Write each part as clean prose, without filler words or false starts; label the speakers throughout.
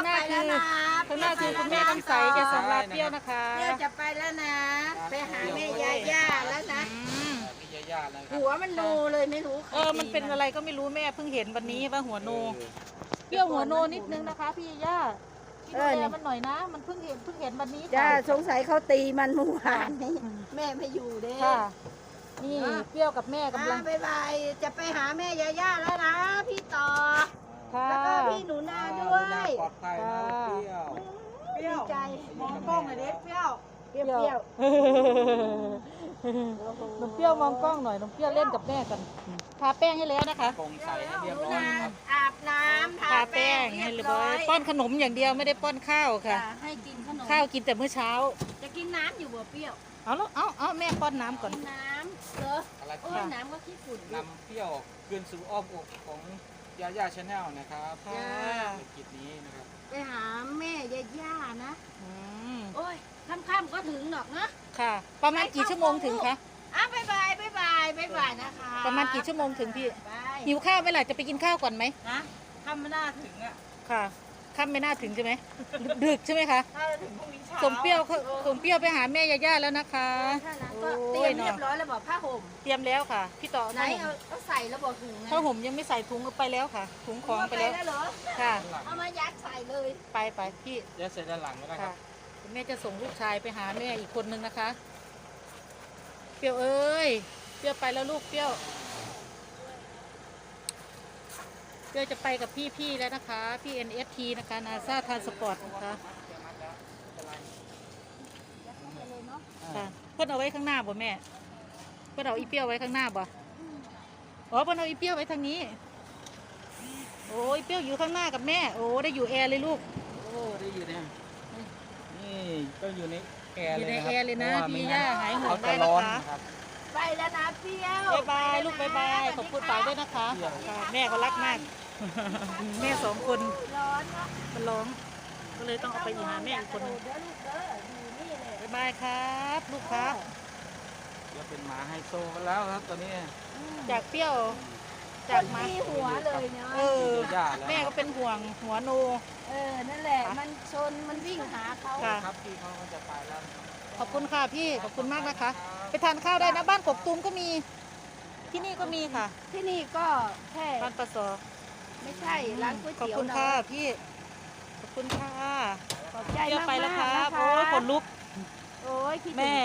Speaker 1: างหน้าคือข้างหน้าคือคุณแม่คำใสแกสำราญเปรี้ยวนะคะ
Speaker 2: เปรี้ยวจะไปแล้วนะไปหาแม่ย่าแล้วนะหัวมันโนเลยไม่รู้
Speaker 1: มันเป็นอะไรก็ไม่รู้แม่เพิ่งเห็นวันนี้ว่าหัวโนเปรี้ยวหัวโนนิดนึงนะคะพี่ย่าดูแลมันหน่อยนะมันเพิ่งเห็นวันนี้
Speaker 2: จ้าสงสัยเขาตีมันเมื่อวานนี้แม่ไม่อยู่เด้
Speaker 1: ค่ะนี่เปรี้ยวกับแม่กำลัง
Speaker 2: บายจะไปหาแม่ย่าแล้วนะพี่ต่อแล้วก็พี่หนูนาด้วย
Speaker 3: ปลอดภัยนะเปรี้ยว
Speaker 2: ดีใจ
Speaker 3: มองกล้องหน่อยดิเปรี้ยว
Speaker 2: เปรี้ยว
Speaker 1: น้องเปรี้ยวมองกล้องหน่อยน้องเปรี้ยวเล่นกับแม่กันทาแป้งให้แล้วนะคะ
Speaker 3: คงใส่ให้เรียบร้อยครับ
Speaker 2: อาบน้ำ
Speaker 1: ทาแป้งให้เรียบร้อยป้อนขนมอย่างเดียวไม่ได้ป้อนข้าวค่ะ
Speaker 2: ให้กินขนม
Speaker 1: ข้าวกินแต่มื้อเช้า
Speaker 2: จะกินน้ำอยู่บ่เปรี้ยว
Speaker 1: เอาแล้วเอาแม่ป้อนน้ำก่อน
Speaker 2: น้ำเหรอโอ้ยน้ำก็ขี้ฝุ่น
Speaker 3: นำเปรี้ยวคืนสู่อ้อมอกของย่าชาแนลนะครับในกิจนี้นะครับ
Speaker 2: ไปหาแม่ย่านะโอ้ยค่ำๆก็ถึงหรอกนะ
Speaker 1: ค่ะประมาณกี่ชั่วโมงถึงคะ
Speaker 2: บ๊ายบายนะคะ
Speaker 1: ประมาณกี่ชั่วโมงถึงพี่หิวข้าวไหมล่ะจะไปกินข้าวก่อนไหม
Speaker 2: นะค่ำไม่น่าถึงอ่ะ
Speaker 1: ค่ะค่ำไม่น่าถึงใช่ไหมดึกใช่ไหมคะสมเปรี้ยวไปหาแม่ย่าแล้วนะคะ
Speaker 2: ก็เตรียมเรียบร้อยแล้วบอกผ้าห่ม
Speaker 1: เตรียมแล้วค่ะพี่ต่อ
Speaker 2: ไหนเอาใส่แล้วบอกถุง
Speaker 1: ผ้าห่มยังไม่ใส่ถุงไปแล้วค่ะถุงของไปแล้วค่ะ
Speaker 2: เอามายัดใส่เลย
Speaker 1: ไปพี่
Speaker 3: ยัดใส่ด้านหลังก็ได้ครับ
Speaker 1: แม่จะส่งลูกชายไปหาแม่อีกคนนึงนะคะเปรี้ยวเอ้ยเปรี้ยวไปแล้วลูกเปรี้ยวจะไปกับพี่แล้วนะคะพี่ NFT นะคะนาซาทานสปอร์ตนะคะค่ะเพิ่นเอาไว้ข้างหน้าบ่แม่เพิ่นเอาอีเปรี้ยวไว้ข้างหน้าบ่อ๋อเพิ่นเอาอีเปรี้ยวไว้ทางนี้โอ้ยเปรี้ยวอยู่ข้างหน้ากับแม่โอ้ได้อยู่แอร์เลยลูก
Speaker 3: โอ้ได้อยู่เนี่ยนี่ก็อยู่ในแอร์เลยนะครับ
Speaker 1: อยู่ในแอร์เลยนะพี่ย่าหายห่วงได้นะคะ
Speaker 2: ไปแล้วนะเปรี้ยว
Speaker 1: บายลูกบายขอบคุณฝากด้วยนะคะแม่เขารักมากแม่2 คน
Speaker 2: ร้อนเนาะ
Speaker 1: มันร้องก็เลยต้องเอาไปหาแม่อีกคนบายครับลูกครับ
Speaker 3: จะเป็นหมาไฮโซกันแล้วครับตอนนี้
Speaker 1: จากเปรี้ยวจาก
Speaker 2: มาหัวเลยเนาะ
Speaker 1: แม่ก็เป็นห่วงหัวโน
Speaker 2: นั่นแหละมันชนมันวิ่งหาเขา
Speaker 3: ครับพี่เขาจะไปแล้ว
Speaker 1: ขอบคุณค่ะพี่ขอบคุณมากนะคะไปทานข้าวได้นะบ้านกกตูมก็มีที่นี่ก็มีค่ะ
Speaker 2: ที่นี่ก็แค่
Speaker 1: บ้านปะสอ
Speaker 2: ไม่ใช่ร้านก๋วยเตี๋ยว
Speaker 1: ขอบคุณค่ะพี่ขอบคุณค่ะ
Speaker 2: ขอบใจมาก
Speaker 1: ไปแล้วครับโอ้ยขนลุก
Speaker 2: โอ้ย
Speaker 1: แม่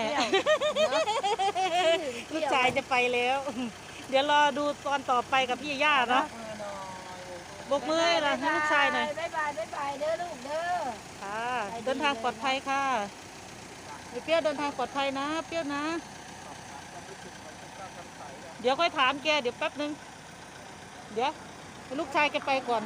Speaker 1: ลูกชายจะไปแล้วเดี๋ยวรอดูตอนต่อไปกับพี่ย่าเนาะบกมือนะให้ลูกชายหน่อย
Speaker 2: บ๊ายบายเด้อลูกเด้อ
Speaker 1: ค่ะเดินทางปลอดภัยค่ะเปรี้ยวเดินทางปลอดภัยนะเปรี้ยวนะเดี๋ยวค่อยถามแกเดี๋ยวแป๊บนึงเดี๋ยวลูกชายแกไปก่อน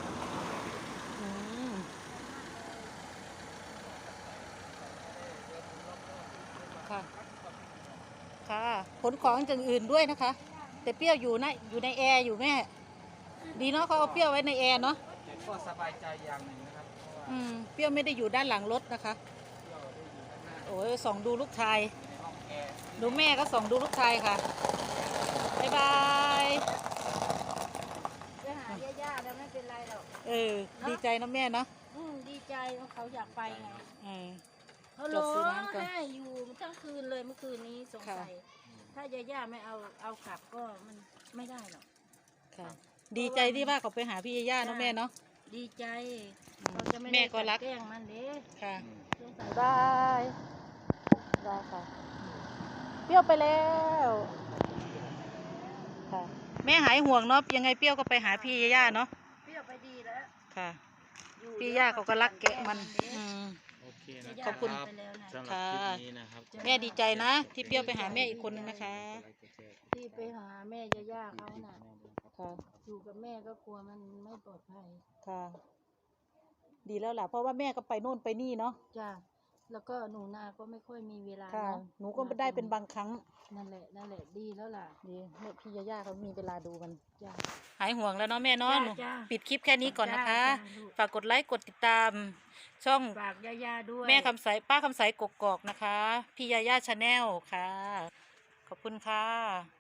Speaker 1: ค่ะค่ะขนของอย่างอื่นด้วยนะคะแต่เปรี้ยวอยู่ในแอร์อยู่แม่ดีเนาะเขาเอาเปรี้ยวไว้ในแอร์เนาะ
Speaker 3: ก็สบายใจอย่างหนึ่งนะครับ
Speaker 1: เปรี้ยวไม่ได้อยู่ด้านหลังรถนะคะโอ้ยส่องดูลูกชายดูแม่ก็ส่องดูลูกชายค่ะบ๊ายบาย
Speaker 2: จะหาย่าแล้วไม่เป็นไรหรอก
Speaker 1: ดีใจนะแม่เนาะ
Speaker 2: ดีใจเขาอยากไปไงเขา
Speaker 1: ร้
Speaker 2: องไห้อยู่ทั้งคืนเลยเมื่อคืนนี้สงสัยถ้าย่าไม่เอากลับก็มันไม่ได้หรอก
Speaker 1: ค่ะดีใจที่ว่าเขาไปหาพี่ย่าเนาะแม่เนาะ
Speaker 2: ดีใจ
Speaker 1: แม่ก็รัก
Speaker 2: แกล้งมันเด้
Speaker 1: ค่ะบายค่ะเปรี้ยวไปแล้วค่ะแม่หายห่วงเนาะยังไงเปรี้ยวก็ไปหาพี่ย่าเนาะ
Speaker 2: เปรี้ยวไปดีแล้ว
Speaker 1: ค่ะพี่ย่าเขาก็รักแกะมันขอบคุณค่ะแม่ดีใจนะที่เปรี้ยวไปหาแม่อีกคนนึงนะคะ
Speaker 2: ที่ไปหาแม่ย่าเขาน่ะ
Speaker 1: ค่ะ
Speaker 2: อยู่กับแม่ก็กลัวมันไม่ปลอดภัย
Speaker 1: ค่ะดีแล้วล่ะเพราะว่าแม่ก็ไปโน่นไปนี่เนาะ
Speaker 2: จ้าแล้วก็หนูนาก็ไม่ค่อยมีเวลา
Speaker 1: หนูก็ไม่ได้เป็นบางครั้ง
Speaker 2: นั่นแหละดีแล้วล่ะ
Speaker 1: ดีแม่พี่ย่าเขามีเวลาดูกันหายห่วงแล้วเนาะแม่เนาะปิดคลิปแค่นี้ก่อนนะคะฝากกดไลค์กดติดตามช่อง
Speaker 2: ฝากย่าด้วย
Speaker 1: แม่คำใสป้าคำใสกกอกนะคะพี่ย่าชาแนลค่ะขอบคุณค่ะ